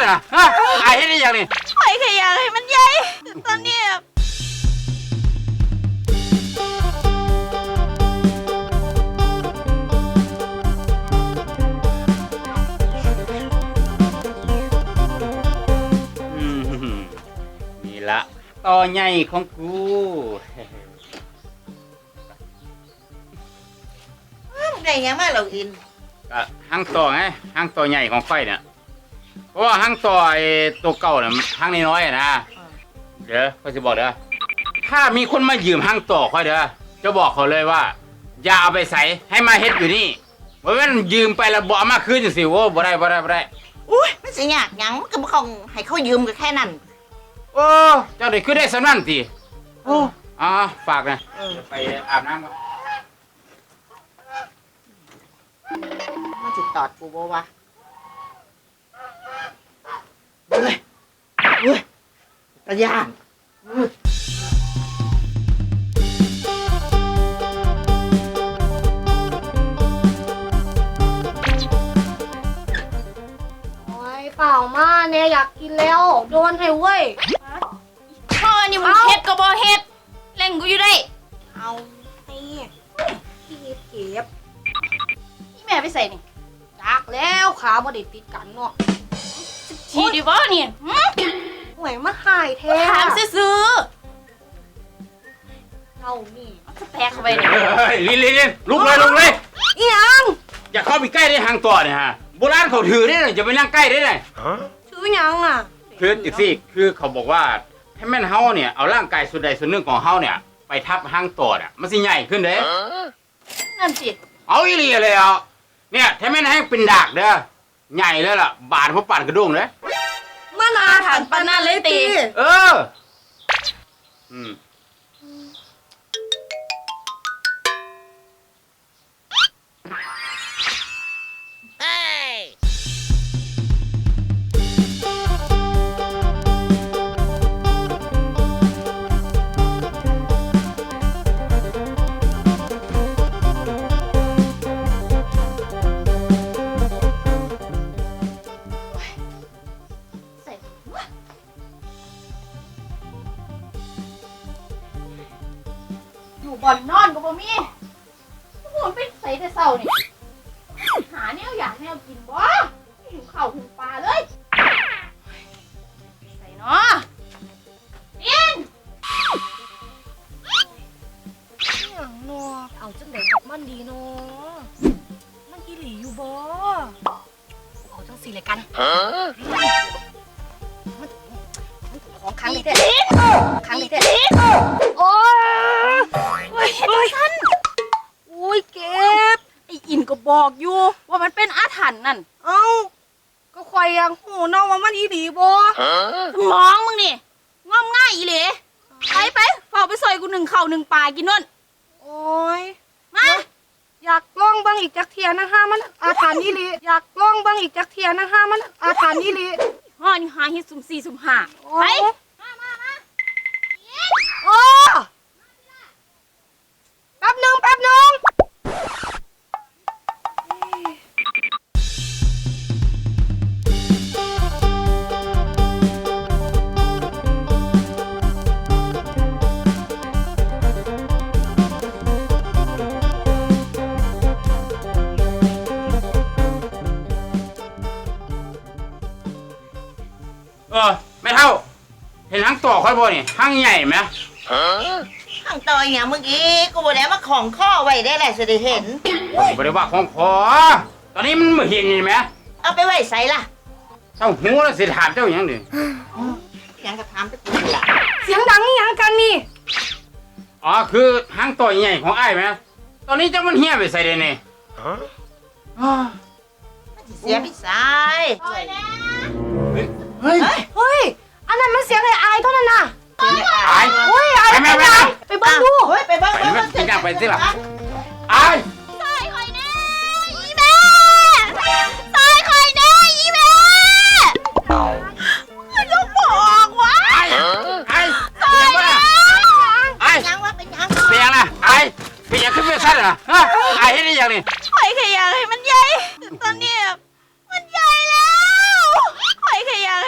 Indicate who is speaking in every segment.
Speaker 1: เหรอฮะไอ้เฮ็ดได้ยังนี่
Speaker 2: ข่อยแค่อยากให้มันใหญ่ตอนนี้
Speaker 1: นี่ละต่อใหญ่ของกู
Speaker 2: ได้ยังมาเราอิน
Speaker 1: ก็หั่งต่อไงหั่งต่อใหญ่ของไฟเนี่ยเพราะว่าหั่งต่อไอ้ตัวเก่าเนี่ยหั่งน้อยๆนะเดี๋ยวค่อยจะบอกเด้อถ้ามีคนมายืมหั่งต่อค่อยเด้อจะบอกเขาเลยว่าอย่าเอาไปใส่ให้มาเฮ็ดอยู่นี่เพราะว่ายืมไปแล้วบ่เอามาคืนจังซี่โว้บ่ได้
Speaker 2: อุ้ยมันสิยากหยังมันก็บ่คงให้เขายืมก็แค่นั้น
Speaker 1: โอ้เจ้าได้คือได้สำนั่นติโอ้ฝากนะไปอาบน้ำก่อน
Speaker 2: มันสิตอดกูบ่วะเฮ้ยตะย่าน
Speaker 3: เปล่ามาเนี่ยอยากกินแล้วโดนให้เว้ย
Speaker 2: พ่อนี่มันเฮ็ดก็บ่เฮ็ดเล่งกูอยู่ได้
Speaker 3: เอาให้พี่เก็บ
Speaker 2: นี่แม่ไปใส่นี่
Speaker 3: ดักแล้วขาบ่ได้ติดกันเนาะ
Speaker 2: ทีดีบ่นี่
Speaker 3: ห่วยมาหายแท้
Speaker 2: ถามซื่อ
Speaker 3: เรานี่
Speaker 2: จะแตกเข้าไปนี่
Speaker 1: ลินลุกเลย
Speaker 3: อีหยัง
Speaker 1: อย่าเข้าไปใกล้ได้ทางต่อเนี่ยฮะโบราณเขาถือได้เลยอย่าไปนั่งใกล้ได้เลย
Speaker 3: ถือหยังอ่ะ
Speaker 1: คืออีกสิคือเขาบอกว่าให้แม่นเฮาเนี่ยเอาร่างกายส่วนใดส่วนหนึ่งของเฮาเนี่ยไปทับห้างต่อเนี่ยมันสิใหญ่ขึ้นเด้
Speaker 2: นั่นสิ
Speaker 1: เอาอีหลีเลยอ่ะเนี่ยถ้าแม่นให้เป็นดากเด้อใหญ่เลยล่ะบาดเพราะปานกระด้งเลย
Speaker 3: มันอาถรรพ์ปานนั้นเลยติ
Speaker 2: อยู่บ่อนนอนก็บ่มีพูดไปใส่แต่เช้านี่หาแนวอยากแนวกินบ่หิวข้าวหิวปลาเลยใส่เนาะอิน
Speaker 3: หยังเนาะเอาจังได๋กับมันดีเนาะมันอีหลีอยู่บ่เอาจังซี่เลยกันมันของครั้งนี้เด้โอ้ย
Speaker 2: ท่าน
Speaker 3: โอ้ยเก็บ
Speaker 2: ไอ้อินก็บอกอยู่ว่ามันเป็นอาถรรพ์นั่น
Speaker 3: เอ้าก็ข่อยยังหูน้องว่ามันอีหลีบ่
Speaker 2: สมองมึงนี่งอมง่ายอีหลีไปเฝ้าไปซอยกู1ข้าว1ปลากินนั่น
Speaker 3: โอ้ย
Speaker 2: มา
Speaker 3: อยากลองเบิ่งอีกจักเที่ยนะฮะมันอาถรรพ์อีหลีอยากลองเบิ่งอีกจักเที่ยนะฮะมันอาถรรพ์อีหลี
Speaker 2: ฮ้อนี่หาเฮ็ดสุ่ม4สุ่ม5ไปมา
Speaker 3: โอ้แป๊บนึง
Speaker 1: ไม่เท่าเห็นห้างต่อค่อยบ่นี่ห้างใหญ่ไหม
Speaker 2: ห้างต่ออย่างเมื่อกี้กูบอกแล้วว่าของข้อไว้ได้แหละจะได้เห็น
Speaker 1: บ่ได้ว่าของขอตอนนี้มันไม่เห็นไหม
Speaker 2: เอาไปไว้ใส่ล่ะ
Speaker 1: เจ้าหูแล้วสิถามเจ้าอย่างดิ
Speaker 2: ยังกระทำไปกูล่ะ
Speaker 3: เสียงดังนี่ยังกันนี่
Speaker 1: คือห้างต่อใหญ่ของไอ้ไหมตอนนี้เจ้ามันเหี้ยไปใส่ได้เนี่ย
Speaker 2: เสียไปใส่
Speaker 1: เฮ้ย
Speaker 3: อันนั้นมันเสียงไอ้เท่านั้นน่ะ
Speaker 1: ไอ้
Speaker 3: เฮ้ยไอ้ไปเบิ่งดู
Speaker 2: ไปเบิ่ง
Speaker 1: ไปนั่งไปสิล่ะไอ้
Speaker 2: ซอยคอยแน่อีแม่ซอยคอยแน่อีแม่ยกบอกวะ
Speaker 1: ไอ้
Speaker 2: ยังวะเป็นยัง
Speaker 1: เป็นยังนะไอ้เป็นยังขึ้นเวทีเหรอไอ้เฮ็ดได้ยังนี่
Speaker 2: ข่อยแค่อยากให้มันใหญ่ตอนนี้มันใหญ่แล้วข่อยแค่อยาก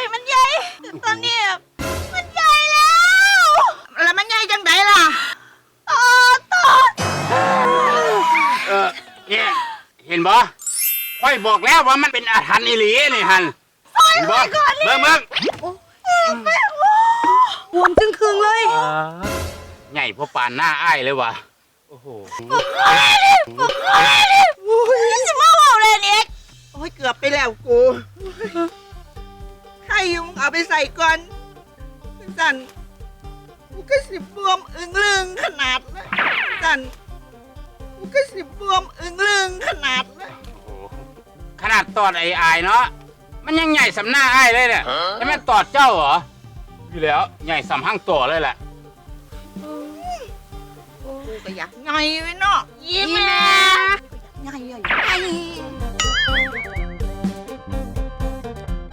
Speaker 1: บ่ค่อยบอกแล้วว่ามันเป็นอาถรรพ์อีหลีนี่ฮันเห็นบ่เบิ่ง
Speaker 3: บวมจึงคืงเลย
Speaker 1: ใหญ่พอปานหน้าอ้ายเลยว่ะโอ้โห
Speaker 2: สิมาเว้าเลยเนี่ย
Speaker 4: โอ้ยเกือบไปแล้วกูใครยุงเอาไปใส่ก่อนสันกูก็สิบวมอึ้งลึงขนาดนะสันกูก็สิบวมอึ้งลึงขนาดนะ
Speaker 1: โอ้โหขนาดตอดไอ้อายเนาะมันยังใหญ่สำหน้าอ้ายเลยเนี่ยแล้วแม่นตอดเจ้าเหรออยู่แล้วใหญ่สำห้างตัวเลยแหละ
Speaker 4: กูก็อยากไงไว้เนาะ
Speaker 2: ยิ้มแม่
Speaker 4: ไงไง